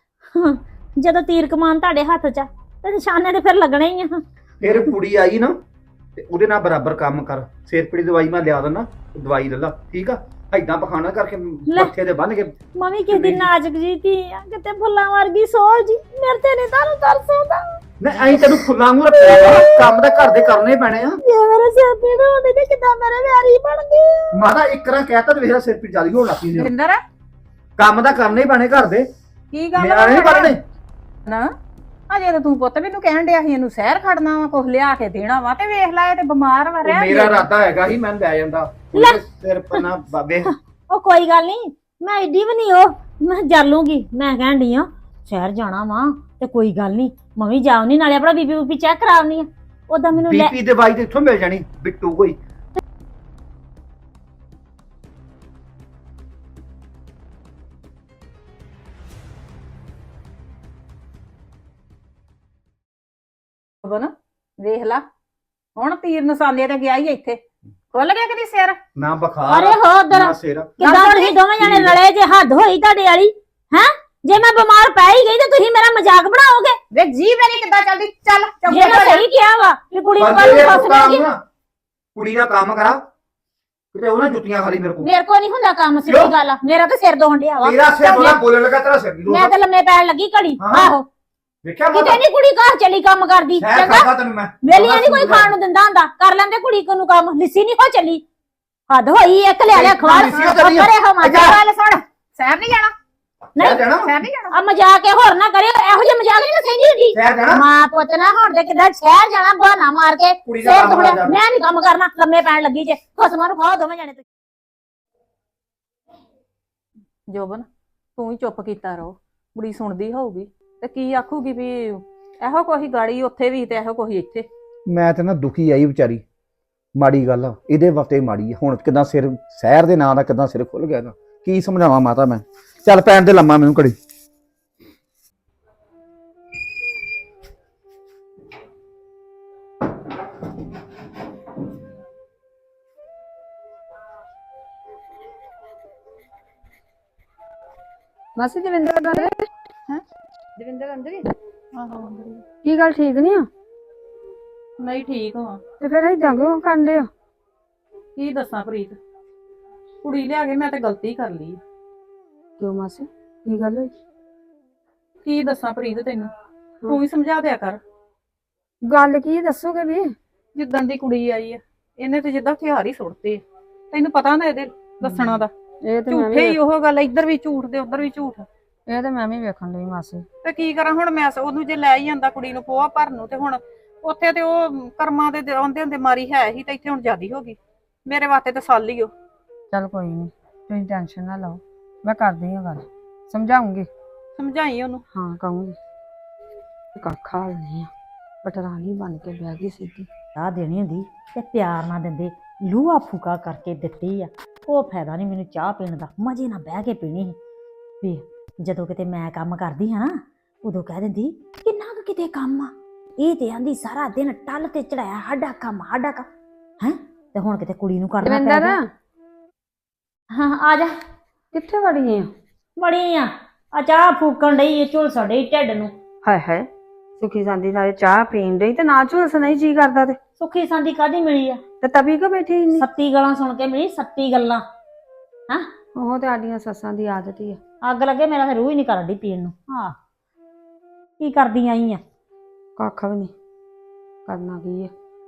H: ਜਦੋਂ ਤੀਰ ਕਮਾਨ ਤੁਹਾਡੇ ਹੱਥ 'ਚ ਆ ਤੇ ਨਿਸ਼ਾਨੇ ਤੇ ਫਿਰ ਲੱਗਣੇ ਹੀ ਆ।
G: ਫਿਰ ਕੁੜੀ ਆਈ ਨਾ ਤੇ ਉਹਦੇ ਨਾਲ ਬਰਾਬਰ ਕੰਮ ਕਰ। ਸਿਰ ਪੀੜੀ ਦਵਾਈ ਮੈਂ ਲਿਆ ਦਿੰਦਾ, ਦਵਾਈ ਲੈ ਲਾ, ਠੀਕ ਆ? ਐਦਾਂ ਪਖਾਣਾ ਕਰਕੇ ਮੱਥੇ ਤੇ ਬੰਨ ਕੇ।
H: ਮੰਮੀ ਕਿਸੇ ਦੀ ਨਾਜ਼ੁਕ ਜੀ ਧੀ ਆ, ਕਿਤੇ ਫੁੱਲਾਂ ਵਰਗੀ ਸੋਹ ਜੀ, ਮੇਰੇ ਤੇ ਨਹੀਂ ਤੁਹਾਨੂੰ ਤਰਸ ਆਉਂਦਾ।
G: ਮੈਂ ਐਂ ਤੈਨੂੰ ਫੁੱਲਾਂ ਵਾਂਗੂ ਰੱਖਿਆ ਵਾ, ਕੰਮ ਤਾਂ ਘਰ ਦੇ ਕਰਨੇ ਪੈਣੇ ਆ।
H: ਜੇ ਮੇਰੇ ਸਿਰ ਪੀੜ ਹੋਣੀ ਤੇ ਕਿੱਦਾਂ ਮੇਰੇ ਵਿਆਰੀ ਬਣ ਗਏ।
G: ਮਾਤਾ ਇੱਕ ਰਾਂ ਕਹਿਤਾ ਤੇ ਵੇਖ ਲੈ ਸਿਰ ਪੀੜ ਜਿਆਦਾ ਹੋਣ ਲੱਗ ਪਈ ਨੇ।
E: ਦਵਿੰਦਰ
G: ਕੰਮ ਤਾਂ ਕਰਨੇ ਹੀ ਪੈਣੇ ਘਰ ਦੇ,
E: ਕੀ ਗੱਲ
G: ਨਿਆਣੇ ਨਹੀਂ ਪੜਨੇ।
E: ਨਾ ਅਜੇ ਤਾਂ ਤੂੰ ਪੁੱਤ ਮੈਨੂੰ ਕਹਿਣ ਡਿਆ ਸੀ ਇਹਨੂੰ ਸ਼ਹਿਰ ਖੜਨਾ ਵਾ, ਕੁਝ ਲਿਆ ਕੇ ਦੇਣਾ ਵਾ, ਤੇ ਵੇਖ ਲੈ ਇਹ ਤੇ ਬਿਮਾਰ ਵਾ ਰਹਿ
G: ਮੇਰਾ ਇਰਾਦਾ ਹੈਗਾ ਸੀ ਮੈਂ ਲੈ ਜਾਂਦਾ ਉਹਦੇ ਸਿਰ ਪਨਾ ਬਾਬੇ।
H: ਉਹ ਕੋਈ ਗੱਲ ਨਹੀਂ, ਮੈਂ ਏਡੀ ਵੀ ਨਹੀਂ ਉਹ ਮੈਂ ਜਾ ਲੂੰਗੀ। ਮੈਂ ਕਹਿਣ ਡਈ ਆ ਸ਼ਹਿਰ ਜਾਣਾ ਵਾ ਤੇ ਕੋਈ ਗੱਲ ਨਹੀਂ ਮੰਮੀ ਜਾਉਣੀ, ਨਾਲੇ ਆਪਣਾ ਬੀਪੀ ਬੂਪੀ ਚੈੱਕ ਕਰਾਉਣੀ ਆ। ਉਹਦਾ ਮੈਨੂੰ ਲੈ
G: ਬੀਪੀ ਦਵਾਈ ਤੇ ਇੱਥੋਂ ਮਿਲ ਜਾਣੀ ਬਿੱਟੂ ਕੋਈ।
E: ਜੋਬਨ ਵੇਖ ਲਾ ਹੁਣ ਤੀਰ ਨਿਸ਼ਾਨੇ ਤੇ ਗਿਆ ਹੀ ਇੱਥੇ ਖੁੱਲ ਗਿਆ ਕਿਤੇ ਸਿਰ।
G: ਨਾ ਬੁਖਾਰ
H: ਅਰੇ ਹੋ ਉਧਰ
G: ਨਾ ਸਿਰ।
H: ਕਿੱਦਾਂ ਤੁਸੀਂ ਦੋਵੇਂ ਜਣੇ ਲੜੇ ਜੇ ਹੱਦ ਹੋਈ ਤੁਹਾਡੇ ਵਾਲੀ ਹੈ? ਜੇ ਮੈਂ ਬਿਮਾਰ ਪੈ ਹੀ ਗਈ ਤੇ ਤੁਸੀਂ ਮੇਰਾ ਮਜ਼ਾਕ ਬਣਾਓਗੇ?
E: ਵੇ ਜੀ ਮੇਰੀ ਕਿੱਦਾਂ ਚੱਲਦੀ ਚੱਲ
H: ਜੇ ਮੈਂ ਸਹੀ ਕਿਹਾ ਵਾ ਕਿ ਕੁੜੀ ਨੂੰ ਕੱਲ
G: ਬੰਦੇ
H: ਨੂੰ
G: ਦਾ
H: ਫਸ
G: ਕੰਮ
H: ਗਈ।
G: ਨਾ, ਕੁੜੀ ਦਾ ਕੰਮ ਕਰਾ ਕਿਤੇ ਉਹਨਾਂ ਜੁੱਤੀਆਂ ਖਾਲੀ ਮੇਰੇ ਕੋਲ।
H: ਮੇਰੇ ਕੋ ਨਹੀਂ ਹੁੰਦਾ ਕੰਮ, ਸਿੱਧੀ
G: ਕਿਉਂ?
H: ਗੱਲ ਆ। ਮੇਰਾ ਤਾਂ ਸਿਰ ਦੋਹਣ ਡਿਆ ਵਾ।
G: ਤੇਰਾ ਸਿਰ ਬੋਲਾ ਬੋਲਣ ਲੱਗਾ, ਤੇਰਾ ਸਿਰ ਵੀ
H: ਮੈਂ
G: ਦੋਦਾ।
H: ਤਾਂ ਲੰਮੇ ਪੈਣ ਲੱਗੀ ਘੜੀ।
G: ਹਾਂ।
H: ਆਹੋ
G: ਵੇਖਿਆ
H: ਕਿਤੇ
G: ਮਾਤਾ
H: ਨਹੀਂ ਕੁੜੀ ਘਰ ਚਲੀ ਕੰਮ ਕਰਦੀ।
G: ਸ਼ਹਿਰ
H: ਚੰਗਾ
G: ਖਾਦਾ ਤੈਨੂੰ ਮੈਂ
H: ਵੇਲੀਆਂ ਨਹੀਂ ਕੋਈ ਖਾਣ ਨੂੰ ਦਿੰਦਾ ਹੁੰਦਾ। ਕਰ ਲੈਂਦੇ ਕੁੜੀ ਕੋ ਨੂੰ ਕੰਮ, ਲਿੱਸੀ ਨਹੀਂ ਹੋ ਚੱਲੀ। ਹੱਦ ਹੋਈ ਇੱਕ ਲਿਆ ਲਿਆ ਖਵਾਰ
G: ਲਿੱਸੀ ਹੋ ਚੱਲੀ ਆ।
H: ਕਰੇ ਹੋ ਮਜ਼ਾ।
E: ਗੱਲ ਸੁਣ ਸ਼ਹਿਰ ਨਹੀਂ ਜਾਣਾ,
G: ਸ਼ਹਿਰ ਜਾਣਾ
E: ਸ਼ਹਿਰ ਨਹੀਂ ਜਾਣਾ।
H: ਆ ਮਜ਼ਾਕ ਇਹ ਹੋਰ ਨਾ ਕਰਿਓ, ਇਹੋ ਜਿਹੇ ਮਜ਼ਾਕ ਨਹੀਂ ਮੈਂ ਸਹਿੰਦੀ ਹੁੰਦੀ।
G: ਸ਼ਹਿਰ ਜਾਣਾ
H: ਮਾਂ ਪੁੱਤ ਨਾ ਹੁਣ ਤੇ ਕਿੱਦਾਂ ਸ਼ਹਿਰ ਜਾਣਾ ਬਹਾਨਾ ਮਾਰ ਕੇ
G: ਕੁੜੀ ਦਾ
H: ਸਿਰ
G: ਕੰਮ
H: ਦੁਖੜਾ।
G: ਕਰ।
H: ਮੈਂ ਨਹੀਂ ਕੰਮ ਕਰਨਾ, ਲੰਮੇ ਪੈਣ ਲੱਗੀ ਜੇ। ਖਸਮਾਂ ਨੂੰ ਖਾਓ ਦੋਵੇਂ ਜਣੇ।
E: ਜੋਬਨ ਤੂੰ ਹੀ ਚੁੱਪ ਕੀਤਾ ਰਹੋ, ਬੁੜੀ ਸੁਣਦੀ ਹੋਊਗੀ ਤੇ ਕੀ ਆਖੂਗੀ ਵੀ ਇਹੋ ਕੋਈ ਗਾੜੀ ਉੱਥੇ ਵੀ ਤੇ ਇਹੋ ਕੋਈ ਇੱਥੇ।
G: ਮੈਂ ਤੇ ਨਾ ਦੁਖੀ ਆਈ ਵਿਚਾਰੀ, ਮਾੜੀ ਗੱਲ ਆ ਇਹਦੇ ਵਕਤੇ ਮਾੜੀ ਆ। ਹੁਣ ਕਿਦਾਂ ਸਿਰ ਸ਼ਹਿਰ ਦੇ ਨਾਂ ਦਾ ਕਿਦਾਂ ਸਿਰ ਖੁੱਲ ਗਿਆ ਨਾ, ਕੀ ਸਮਝਾਵਾਂ ਮਾਤਾ ਮੈਂ। ਚੱਲ ਪੈਣ ਦੇ ਲੰਮਾ ਮੈਨੂੰ ਘੜੀ।
A: ਮਾਸੀ ਦਵਿੰਦਰ ਅੰਦਰ ਹੈ? ਦਵਿੰਦਰ ਅੰਦਰ ਹੀ? ਆਹੋ ਕੀ ਗੱਲ ਠੀਕ ਨਹੀਂ ਆ?
E: ਨਹੀਂ ਠੀਕ ਹਾਂ।
A: ਤੇ ਫਿਰ ਏਦਾਂ ਕਿਉਂ ਕਰਦੇ ਆ?
E: ਕੀ ਦੱਸਾਂ ਪ੍ਰੀਤ, ਕੁੜੀ ਲਿਆ ਕੇ ਮੈਂ ਤੇ ਗਲਤੀ ਕਰ ਲਈ।
A: ਕਿਉਂ ਮਾਸੀ ਕੀ ਗੱਲ ਹੋਈ?
E: ਕੀ ਦੱਸਾਂ ਪ੍ਰੀਤ ਤੈਨੂੰ, ਤੂੰ ਹੀ ਸਮਝਾ ਦਿਆ ਕਰ।
A: ਗੱਲ ਕੀ ਦੱਸੋਗੇ ਵੀ?
E: ਜਿੱਦਾਂ ਦੀ ਕੁੜੀ ਆਈ ਆ ਇਹਨੇ ਤੇ ਜਿੱਦਾਂ ਹਥਿਆਰ ਹੀ ਸੁੱਟਦੇ ਆ। ਤੈਨੂੰ ਪਤਾ ਨਾ ਇਹਦੇ ਦੱਸਣਾ ਦਾ,
A: ਇਹ ਤੇ ਮੈਂ
E: ਝੂਠੇ ਹੀ
A: ਵੀ
E: ਉਹ ਗੱਲ, ਇੱਧਰ ਵੀ ਝੂਠ ਤੇ ਉੱਧਰ ਵੀ ਝੂਠ।
A: ਇਹ ਤੇ ਮੈਂ ਵੀ ਵੇਖਣ ਲਈ ਮਾਸੀ।
E: ਤੇ ਕੀ ਕਰਾਂ ਹੁਣ ਮੈਂ, ਉਹਨੂੰ ਜੇ ਲੈ ਹੀ ਜਾਂਦਾ ਕੁੜੀ ਨੂੰ ਪੋਆ ਭਰਨ ਨੂੰ, ਤੇ ਹੁਣ ਉੱਥੇ ਤੇ ਉਹ ਕਰਮਾਂ ਦੇ ਆਉਂਦੇ ਹੁੰਦੇ ਮਾਰੀ ਹੈ ਹੀ, ਤੇ ਇੱਥੇ ਹੁਣ ਜ਼ਿਆਦੀ ਹੋ ਗਈ। ਮੇਰੇ ਵਾਸਤੇ ਤੇ ਸਾਲ ਹੀ ਉਹ।
A: ਚੱਲ ਕੋਈ ਨਹੀਂ, ਤੁਸੀਂ ਟੈਨਸ਼ਨ ਨਾ ਲਓ, ਮੈਂ ਕਰਦੀ ਹਾਂ ਗੱਲ, ਸਮਝਾਉਂਗੀ।
E: ਸਮਝਾਈ ਉਹਨੂੰ।
A: ਹਾਂ ਕਹੂੰਗੀ। ਕੱਖਾ ਨਹੀਂ ਆ, ਪਟਰਾਣੀ ਬਣ ਕੇ ਬਹਿ ਗਈ ਸਿੱਧੀ।
H: ਚਾਹ ਦੇਣੀ ਹੁੰਦੀ ਤੇ ਪਿਆਰ ਨਾਲ ਦਿੰਦੇ, ਲੂਹਾ ਫੂਕਾ ਕਰਕੇ ਦਿੱਤੀ ਆ। ਉਹ ਫਾਇਦਾ ਨਹੀਂ ਮੈਨੂੰ ਚਾਹ ਪੀਣ ਦਾ, ਮਜ਼ੇ ਨਾਲ ਬਹਿ ਕੇ ਪੀਣੀ ਸੀ। ਵੀ ਜਦੋਂ ਕਿਤੇ ਮੈਂ ਕੰਮ ਕਰਦੀ ਹਾਂ ਨਾ, ਉਦੋਂ ਕਹਿ ਦਿੰਦੀ ਕਿੰਨਾ ਕੁ ਕਿਤੇ ਕੰਮ ਆ, ਇਹ ਤੇ ਆਂਦੀ ਸਾਰਾ ਦਿਨ ਟੱਲ ਤੇ ਚੜਾਇਆ, ਸਾਡਾ ਕੰਮ ਸਾਡਾ ਕੰਮ ਹੈ। ਤੇ ਹੁਣ ਕਿਤੇ ਕੁੜੀ ਨੂੰ ਕਰਨਾ ਪੈ
A: ਦਵਿੰਦਰ
H: ਗਿਆ। ਹਾਂ ਆ ਜਾ।
A: ਕਿੱਥੇ ਵੜੀ ਆ?
H: ਬੜੀ ਆ ਆ ਚਾਹ ਫੂਕਣ ਡਈ ਏ ਝੁਲਸਣ ਡਈ ਢਿੱਡ ਨੂੰ।
A: ਹਾਏ ਹਾਏ, ਸੁਖੀ ਜਾਂਦੀ ਨਾਲੇ ਚਾਹ ਪੀਣ ਡਈ ਤੇ ਨਾ ਝੁਲਸ ਨਹੀਂ ਜੀ ਕਰਦਾ ਤੇ
H: ਸੁੱਖੀ ਸਾਂਦੀ ਕਾਦੀ ਮਿਲੀ ਆ?
A: ਤੇ ਤਵੀ ਕੋ ਬੈਠੀ ਇੰਨੀ?
H: ਸੱਤੀ ਗੱਲਾਂ ਸੁਣ ਕੇ ਮਿਲੀ, ਸੱਤੀ ਗੱਲਾਂ। ਹਾਂ
A: ਉਹ ਤੇ ਆਡੀਆਂ ਸੱਸਾਂ ਦੀ ਆਦਤ ਹੀ ਆ।
H: ਅੱਗ ਲੱਗੇ ਮੇਰਾ ਤਾਂ ਰੂਹ ਹੀ ਨਹੀਂ ਕਰਦੀ ਪੀਣ ਨੂੰ। ਹਾਂ ਕੀ ਕਰਦੀ ਆਈ ਆ?
A: ਕੱਖ ਵੀ ਨਹੀਂ ਕਰਨਾ ਕੀ ਆ।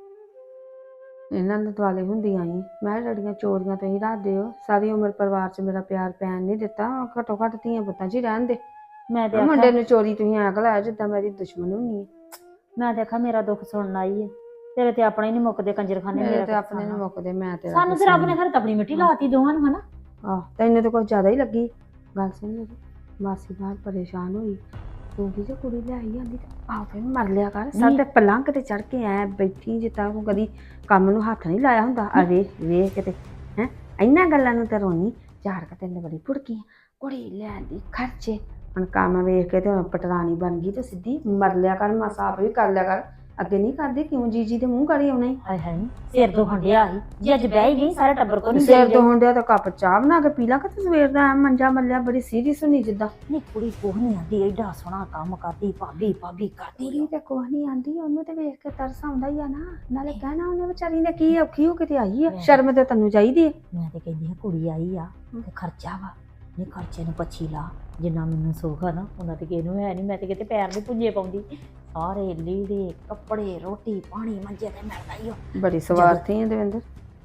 A: ਇਹਨਾਂ ਦੇ ਦੁਆਲੇ ਹੁੰਦੀ ਆਈ ਮੈਂ ਲੜੀਆਂ ਚੋਰੀਆਂ ਤੁਸੀਂ ਰੱਖਦੇ ਹੋ। ਸਾਰੀ ਉਮਰ ਪਰਿਵਾਰ 'ਚ ਮੇਰਾ ਪਿਆਰ ਪੈਣ ਨਹੀਂ ਦਿੱਤਾ। ਘੱਟੋ ਘੱਟ ਧੀਆਂ ਪੁੱਤਾਂ 'ਚ ਹੀ ਰਹਿਣ ਦੇ।
H: ਮੈਂ ਤੇ
A: ਮੁੰਡੇ
H: ਆਖਿਆ
A: ਨੂੰ ਚੋਰੀ ਤੁਸੀਂ ਐਂ ਲਾਇਆ ਜਿੱਦਾਂ ਮੇਰੀ ਦੁਸ਼ਮਣ ਹੁੰਨੀ ਹੈ।
H: ਮੈਂ ਦੇਖਾ ਮੇਰਾ ਦੁੱਖ ਸੁਣਨ ਆਈ ਏ। ਤੇਰੇ ਤੇ ਆਪਣੇ ਨਹੀਂ ਮੁੱਕਦੇ ਕੰਜਰਖਾਨੇ।
A: ਮੇਰੇ
H: ਮੇਰਾ
A: ਤੇ
H: ਤਾਂ
A: ਆਪਣੇ ਨੂੰ ਮੁੱਕਦੇ। ਮੈਂ ਤੇ
H: ਸਾਨੂੰ ਤੇ ਰੱਬ ਨੇ ਫਿਰ ਆਪਣੀ ਮਿੱਟੀ ਲਾਤੀ ਦੋਵਾਂ ਨੂੰ ਹਨਾ।
A: ਆਹ ਤੈਨੂੰ ਤਾਂ ਕੁਝ ਜ਼ਿਆਦਾ ਹੀ ਲੱਗੀ। ਗੱਲ ਸੁਣ ਮੇਰੀ, ਮਾਸੀ ਬਾਹਰ ਪਰੇਸ਼ਾਨ ਹੋਈ। ਤੂੰ ਕੀ ਜੇ ਕੁੜੀ ਲਿਆਈ ਜਾਂਦੀ ਤੇ ਆਪੇ ਮਰ ਲਿਆ ਕਰ। ਸਾਡੇ ਪਲੰਘ ਤੇ ਚੜ ਕੇ ਐ ਬੈਠੀ ਜਿੱਦਾਂ ਤੂੰ ਕਦੀ ਕੰਮ ਨੂੰ ਹੱਥ ਨਹੀਂ ਲਾਇਆ ਹੁੰਦਾ। ਆ ਵੇਖ ਵੇਖ ਕਿਤੇ ਹੈ ਇਹਨਾਂ ਗੱਲਾਂ ਨੂੰ ਤੇ ਰੋਣੀ ਝਾੜ ਕੇ ਤੈਨੂੰ ਬੜੀ ਭੁੜਕੀ ਕੁੜੀ ਲੈਣ ਦੀ ਖਰਚੇ। ਹੁਣ ਕੰਮ ਵੇਖ ਕੇ ਤੇ ਹੁਣ ਪਟਰਾਣੀ ਬਣ ਗਈ ਤੇ ਸਿੱਧੀ ਮਰ ਲਿਆ ਕਰ। ਮਾਸਾ ਆਪ ਵੀ ਕਰ ਲਿਆ ਕਰ। ਅੱਗੇ ਨਹੀਂ ਕਰਦੀ ਕਿਉਂ ਜੀਜੀ ਦੇ ਮੂੰਹ ਕਰੀ ਆਉਣਾ ਹੀ।
H: ਹਾਏ ਹਾਏ ਸਿਰ ਤੋਂ ਹੰਡਿਆ ਸੀ ਜੇ ਅੱਜ ਬਹਿ ਹੀ ਗਈ ਸਾਰੇ ਟੱਬਰ ਕੋ ਨਹੀਂ
A: ਸਿਰ ਤੋਂ ਹੁੰਦਿਆ ਤਾਂ ਕੱਪ ਚਾਹ ਬਣਾ ਕੇ ਪੀ ਲਾ ਕਿ ਸਵੇਰ ਦਾ ਐਂ ਮੰਜਾ ਮੱਲਿਆ ਬੜੀ ਸੀਰੀਅਸ ਹੁੰਨੀ ਜਿੱਦਾਂ।
H: ਨਹੀਂ ਕੁੜੀ ਕੋਹ ਨਹੀਂ ਆਂਦੀ ਐਡਾ ਸੋਹਣਾ ਕੰਮ ਕਰਦੀ ਭਾਬੀ ਭਾਬੀ ਕਰਦੀ।
A: ਕੁੜੀ ਤੇ ਕੁਛ ਨਹੀਂ ਆਂਦੀ। ਉਹਨੂੰ ਤੇ ਵੇਖ ਕੇ ਤਰਸ ਆਉਂਦਾ ਹੀ ਆ ਨਾ। ਨਾਲੇ ਕਹਿਣਾ ਉਹਨੇ ਵਿਚਾਰੀ ਨੇ ਕੀ ਔਖੀ ਹੋ ਕੇ ਤੇ ਆਈ ਆ। ਸ਼ਰਮ ਤੇ ਤੈਨੂੰ ਚਾਹੀਦੀ ਹੈ।
H: ਮੈਂ ਤੇ ਕਹਿੰਦੀ ਹਾਂ ਕੁੜੀ ਆਈ ਆ ਤੇ ਖਰਚਾ ਵਾ। ਨਹੀਂ ਖਰਚੇ ਨੂੰ ਪੱਛੀ ਲਾ। ਜਿੰਨਾ ਮੈਨੂੰ ਸੁੱਖ ਆ ਨਾ ਉਹਨਾਂ ਤੇ ਕਿਸੇ ਨੂੰ ਹੈ ਨਹੀਂ। ਮੈਂ ਤੇ ਕਿਤੇ ਪੈਰ ਨਹੀਂ ਪੁੰਜੇ ਪਾਉਂਦੀ। ਸਾਰੇ ਲੀੜੇ ਕੱਪੜੇ ਰੋਟੀ ਪਾਣੀ ਮੰਜੇ ਤੇ ਮਿਲਦਾ ਹੀ ਉਹ।
A: ਬੜੀ ਸਵਾਰਥੀ ਹੈ ਦਵਿੰਦਰ।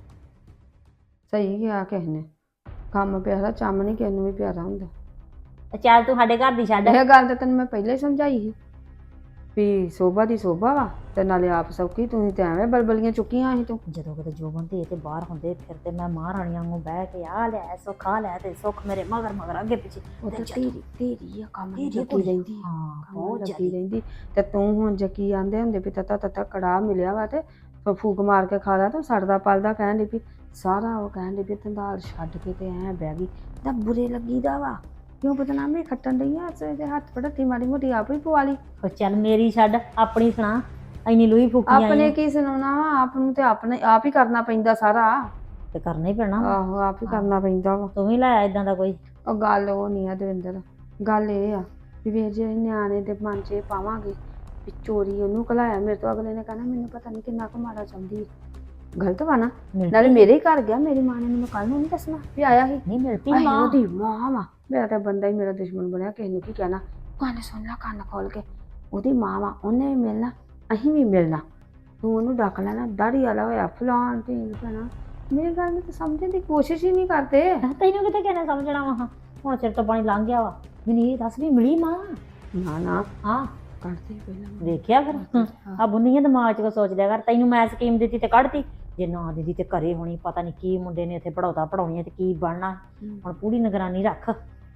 A: ਸਹੀ ਗਿਆ ਕਿਸੇ ਨੇ। ਕੰਮ ਪਿਆਰਾ ਚੰਮ ਨਹੀਂ ਕਿਸੇ ਨੂੰ ਵੀ ਪਿਆਰਾ ਹੁੰਦਾ।
H: ਚੱਲ ਤੂੰ ਸਾਡੇ ਘਰ ਦੀ ਛੱਡ।
A: ਇਹ ਗੱਲ ਤਾਂ ਤੈਨੂੰ ਮੈਂ ਪਹਿਲਾਂ ਹੀ ਸਮਝਾਈ ਸੀ ਵੀ ਸੋਭਾ ਦੀ ਸੋਭਾ ਵਾ ਤੇ ਨਾਲੇ ਆਪ ਸੌਖੀ। ਤੂੰ ਤੇ ਐਵੇਂ ਬਲਬਲੀਆਂ ਚੁੱਕੀਆਂ ਸੀ ਤੂੰ।
H: ਜਦੋਂ ਕਿਤੇ ਜੋਬਨ ਤੇ ਤੇ ਬਾਹਰ ਹੁੰਦੇ ਫਿਰ ਤੇ ਮੈਂ ਮਹਾਰਾਣੀਆਂ ਨੂੰ ਬਹਿ ਕੇ ਆ ਲੈ ਸੁੱਖ ਆ ਲੈ ਤੇ ਸੁੱਖ ਮੇਰੇ ਮਗਰ ਮਗਰ ਅੱਗੇ ਪਿੱਛੇ।
A: ਉਹ ਤਾਂ ਤੇਰੀ ਤੇਰੀ ਆ ਕੰਮ
H: ਤੇਰੀ
A: ਲੱਗੀ
H: ਕੁੜੀ।
A: ਰਹਿੰਦੀ।
H: ਹਾਂ
A: ਬਹੁਤ
H: ਬਹੁਤ
A: ਲੱਗੀ
H: ਜ਼ਿਆਦੀ।
A: ਰਹਿੰਦੀ। ਤੇ ਤੂੰ ਹੁਣ ਜੱਕੀ ਆਂਦੇ ਹੁੰਦੇ ਵੀ ਤਤਾ ਤਤਾ ਕੜਾਹ ਮਿਲਿਆ ਵਾ ਤੇ ਫ- ਫੂਕ ਮਾਰ ਕੇ ਖਾ ਲਾ। ਤੂੰ ਸੜਦਾ ਪਲਦਾ ਕਹਿਣ ਡਈ ਵੀ ਸਾਰਾ ਉਹ ਕਹਿਣ ਡਈ ਵੀ ਧੰਦਾਲ ਛੱਡ ਕੇ ਤੇ ਐਂ ਬਹਿ ਗਈ। ਤਾਂ ਬੁਰੇ ਲੱਗੀਦਾ ਵਾ ਕਿਉਂ ਬਦਨਾਮੀ ਖੱਟਣ ਡਈ ਆ। ਸਵੇਰੇ ਹੱਥ ਪੜਤੀ ਮਾੜੀ ਮੋਟੀ ਆਪ ਹੀ ਪਵਾ ਲਈ।
H: ਉਹ ਚੱਲ ਮੇਰੀ ਛੱਡ ਆਪਣੀ ਸੁਣਾ। ਇੰਨੀ ਲੂਈ ਫੂਕੀ ਆਈ
A: ਆਪਣੇ
H: ਆਂ।
A: ਕੀ ਸੁਣਾਉਣਾ ਵਾ। ਆਪ ਨੂੰ ਤੇ ਆਪਣੇ ਆਪ ਹੀ ਕਰਨਾ ਪੈਂਦਾ ਸਾਰਾ।
H: ਤੇ ਕਰਨਾ ਹੀ ਪੈਣਾ ਵਾ।
A: ਆਹੋ ਆਪ ਹੀ ਕਰਨਾ ਪੈਂਦਾ ਵਾ।
H: ਤੂੰ ਵੀ ਲਾਇਆ ਇਦਾਂ ਦਾ ਕੋਈ।
A: ਉਹ ਗੱਲ ਉਹ ਨਹੀਂ ਆ ਦਵਿੰਦਰ। ਗੱਲ ਇਹ ਆ ਵੀ ਵੇਖ ਜੇ ਨਿਆਣੇ ਦੇ ਮਨ 'ਚ ਇਹ ਪਾਵਾਂਗੇ ਵੀ ਚੋਰੀ ਉਹਨੂੰ ਘਲਾਇਆ ਮੇਰੇ ਤੋਂ। ਅਗਲੇ ਨੇ ਕਹਿਣਾ ਮੈਨੂੰ ਪਤਾ ਨਹੀਂ ਕਿੰਨਾ ਕੁ ਮਾੜਾ ਚਾਹੁੰਦੀ ਹੈ। ਗਲਤ ਵਾ ਨਾ।
H: ਮਿਲ
A: ਨਾਲੇ ਮੇਰੇ ਹੀ ਘਰ ਗਿਆ। ਮੇਰੀ ਮਾਂ ਨੇ ਮੈਨੂੰ ਕੱਲ ਨੂੰ ਨਹੀਂ ਦੱਸਣਾ ਵੀ ਆਇਆ ਸੀ।
H: ਨਹੀਂ ਮਿਲਦੀ
A: ਆਹੀ
H: ਮਾਂ।
A: ਉਹਦੀ ਮਾਂ ਵਾ। ਮੇਰਾ ਤਾਂ ਬੰਦਾ ਹੀ ਮੇਰਾ ਦੁਸ਼ਮਣ ਬਣਿਆ। ਕਿਸੇ ਨੂੰ ਕੀ ਕਹਿਣਾ। ਕੰਨ ਸੁਣ ਲਾ ਕੰਨ ਖੋਲ ਕੇ। ਉਹਦੀ ਮਾਂ ਵਾ। ਉਹਨੇ ਵੀ ਮਿਲਣਾ ਅਸੀਂ ਵੀ ਮਿਲਣਾ। ਤੂੰ ਉਹਨੂੰ ਡੱਕ ਲੈਣਾ ਦਾੜੀ ਵਾਲਾ ਹੋਇਆ ਫਲਾਣ ਢੀਂਗ ਪੈਣਾ। ਮੇਰੀ ਗੱਲ ਨੂੰ ਤਾਂ ਸਮਝਣ ਦੀ ਕੋਸ਼ਿਸ਼ ਹੀ ਨਹੀਂ ਕਰਦੇ।
H: ਤੈਨੂੰ ਕਿਤੇ ਕਹਿਣਾ ਸਮਝਣਾ ਵਾ। ਹੁਣ ਸਿਰ ਤੋਂ ਪਾਣੀ ਲੰਘ ਗਿਆ ਵਾ। ਮੈਨੂੰ ਇਹ ਦੱਸ ਵੀ ਮਿਲੀ ਮਾਂ।
A: ਨਾ ਨਾ
H: ਹਾਂ
A: ਕੱਢਦੇ ਪਹਿਲਾਂ।
H: ਦੇਖਿਆ ਫਿਰ ਆ ਬੁੰਦੀਆਂ ਦਿਮਾਗ 'ਚ ਕੋ ਸੋਚਦਿਆ ਕਰ। ਤੈਨੂੰ ਮੈਂ ਸਕੀਮ ਦਿੱਤੀ ਤੇ ਕੱਢਤੀ। ਜੇ ਨਾ ਦਿੰਦੀ ਤੇ ਘਰੇ ਹੋਣੀ ਪਤਾ ਨਹੀਂ ਕੀ ਮੁੰਡੇ ਨੇ ਇੱਥੇ ਪੜਾਉਤਾ ਪੜਾਉਣੀ ਤੇ ਕੀ ਬਣਨਾ। ਹੁਣ ਪੂਰੀ ਨਿਗਰਾਨੀ ਰੱਖ।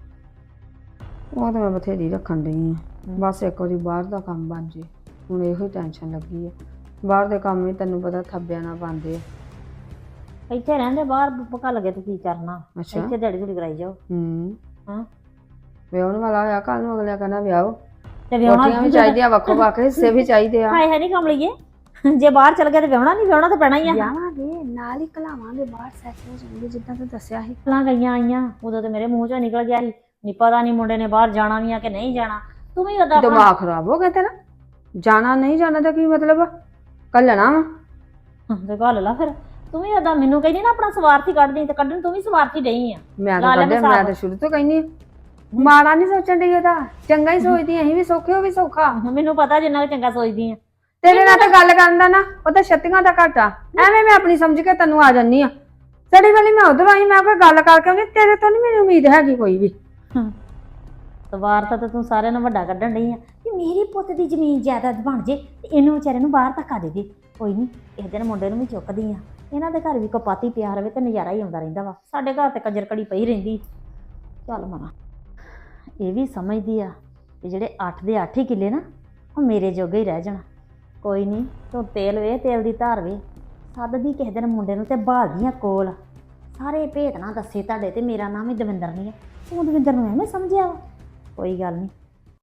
A: ਉਹ ਤਾਂ ਮੈਂ ਬਥੇਰੀ ਰੱਖਣ ਡਈ ਆ। ਬਸ ਇੱਕ ਵਾਰੀ ਬਾਹਰ ਦਾ ਕੰਮ ਬਣ ਜੇ। ਹੁਣ ਇਹੋ ਹੀ ਟੈਨਸ਼ਨ ਲੱਗੀ ਆ। ਬਾਹਰ ਦੇ ਕੰਮ ਵੀ ਤੈਨੂੰ ਪਤਾ ਥੱਬਿਆਂ ਨਾਲ ਪਾਉਂਦੇ ਆ।
H: ਇੱਥੇ ਰਹਿੰਦੇ ਬਾਹਰ ਪਕਾ ਲੱਗੇ ਤੂੰ ਕੀ ਕਰਨਾ।
A: ਅੱਛਾ
H: ਇੱਥੇ ਦਿਹਾੜੀ ਧੂੜੀ ਕਰਾਈ ਜਾਓ।
A: ਹੂੰ
H: ਹਾਂ
A: ਵਿਆਹਣ ਵਾਲਾ ਹੋਇਆ ਕੱਲ ਨੂੰ ਅਗਲਿਆ ਕਹਿੰਦਾ ਵਿਆਹੋ।
H: ਤੇ ਵਿਆਹਣਾ
A: ਰੋਟੀਆਂ ਵੀ ਚਾਹੀਦੀਆਂ ਵੱਖੋ ਵੱਖ ਹਿੱਸੇ ਵੀ ਚਾਹੀਦੇ ਆ।
H: ਹਾਏ ਹੈ ਨਹੀਂ ਕਮਲੀਏ। ਜੇ ਬਾਹਰ ਚਲ ਗਿਆ ਤੇ ਵਿਆਹਣਾ ਨਹੀਂ ਵਿਆਹਣਾ ਤਾਂ ਪੈਣਾ ਹੀ ਆ।
A: ਵਿਆਹਾਂਗੇ ਨਾਲ ਹੀ ਘਲਾਵਾਂਗੇ ਬਾਹਰ ਸੈੱਟ ਹੋ ਜਾਣਗੇ ਜਿੱਦਾਂ ਤੂੰ ਦੱਸਿਆ ਸੀ।
H: ਫਲਾਂ ਗਈਆਂ ਆਈਆਂ ਉਦੋਂ ਤੇ ਮੇਰੇ ਮੂੰਹ ਚੋਂ ਨਿਕਲ ਗਿਆ ਸੀ ਨਹੀਂ ਪਤਾ ਨਹੀਂ ਮੁੰਡੇ ਨੇ ਬਾਹਰ ਜਾਣਾ ਵੀ ਆ ਕਿ ਨਹੀਂ ਜਾਣਾ। ਤੂੰ ਵੀ ਉਹਦਾ
A: ਦਿਮਾਗ ਖਰਾਬ ਹੋ ਗਿਆ ਤੇਰਾ। ਜਾਣਾ ਨਹੀਂ ਜਾਣਾ ਦਾ ਕੀ ਮਤਲਬ ਆ। ਕੱਲਣਾ ਵਾ
H: ਤੇ ਗੱਲ ਲਾ ਫਿਰ। ਤੂੰ ਵੀ ਉਹਦਾ ਮੈਨੂੰ ਕਹਿੰਦੀ ਨਾ ਆਪਣਾ ਸਵਾਰਥੀ ਕੱਢਦੀ ਤੇ ਕੱਢਣ ਤੂੰ ਵੀ ਸਵਾਰਥੀ ਡਈ ਆ।
A: ਮੈਂ ਤਾਂ ਕੱਢਿਆ। ਮੈਂ ਤਾਂ ਸ਼ੁਰੂ ਤੋਂ ਕਹਿੰਦੀ ਮਾੜਾ ਨਹੀਂ ਸੋਚਣ ਡਈ ਉਹਦਾ ਚੰਗਾ ਹੀ ਸੋਚਦੀ। ਅਸੀਂ ਵੀ ਸੌਖੇ ਉਹ ਵੀ ਸੌਖਾ।
H: ਮੈਨੂੰ ਪਤਾ ਜਿੰਨਾ ਚੰਗਾ ਸੋਚਦੀ ਆ।
A: ਤੇਰੇ ਨਾਲ ਤਾਂ ਗੱਲ ਕਰਨ ਦਾ ਨਾ ਉਹ ਤਾਂ ਛੱਤੀਆਂ ਦਾ ਘਾਟਾ। ਐਵੇਂ ਮੈਂ ਆਪਣੀ ਸਮਝ ਕੇ ਤੈਨੂੰ ਆ ਜਾਨੀ ਆ। ਸੜੀ ਵਾਲੀ ਮੈਂ ਉਧਰ ਆਈ। ਮੈਂ ਕੋਈ ਗੱਲ ਕਰਕੇ ਆਉਂਦੀ। ਤੇਰੇ ਤੋਂ ਨਹੀਂ ਮੈਨੂੰ ਉਮੀਦ ਹੈਗੀ ਕੋਈ ਵੀ।
H: ਸਵਾਰਥ ਤਾਂ ਤੂੰ ਸਾਰਿਆਂ ਨੂੰ ਵੱਡਾ ਕੱਢਣ ਡਈ ਆ ਵੀ ਮੇਰੀ ਪੁੱਤ ਦੀ ਜ਼ਮੀਨ ਜਾਇਦਾਦ ਬਣ ਜੇ ਤੇ ਇਹਨੂੰ ਵਿਚਾਰੇ ਨੂੰ ਬਾਹਰ ਧੱਕਾ ਦੇ ਦੇ। ਕੋਈ ਨਹੀਂ ਇਸ ਦਿਨ ਮੁੰਡੇ ਨੂੰ ਵੀ ਚੁੱਕਦੀ ਆ। ਇਹਨਾਂ ਦੇ ਘਰ ਵੀ ਕਪਾਤੀ ਪਿਆ ਰਵੇ ਤੇ ਨਜ਼ਾਰਾ ਹੀ ਆਉਂਦਾ ਰਹਿੰਦਾ ਵਾ। ਸਾਡੇ ਘਰ ਤੇ ਕੰਜਰ ਕੜੀ ਪਈ ਰਹਿੰਦੀ। ਚੱਲ ਮਨਾ ਇਹ ਵੀ ਸਮਝਦੀ ਆ ਕਿ ਜਿਹੜੇ ਅੱਠ ਦੇ ਅੱਠ ਹੀ ਕਿੱਲੇ ਨਾ ਉਹ ਮੇਰੇ ਜੋਗੇ ਹੀ ਰਹਿ ਜਾਣਾ। ਕੋਈ ਨਹੀਂ ਤੂੰ ਤੇਲ ਵੇ ਤੇਲ ਦੀ ਧਾਰ ਵੇ। ਸੱਦਦੀ ਕਿਸੇ ਦਿਨ ਮੁੰਡੇ ਨੂੰ ਤੇ ਭਾਲਦੀਆਂ ਕੋਲ। ਸਾਰੇ ਭੇਤ ਨਾ ਦੱਸੇ ਤੁਹਾਡੇ ਤੇ ਮੇਰਾ ਨਾਮ ਹੀ ਦਵਿੰਦਰ ਨਹੀਂ ਹੈ। ਤੂੰ ਦਵਿੰਦਰ ਨੂੰ ਐਵੇਂ ਸਮਝਿਆ ਵਾ। ਕੋਈ ਗੱਲ ਨਹੀਂ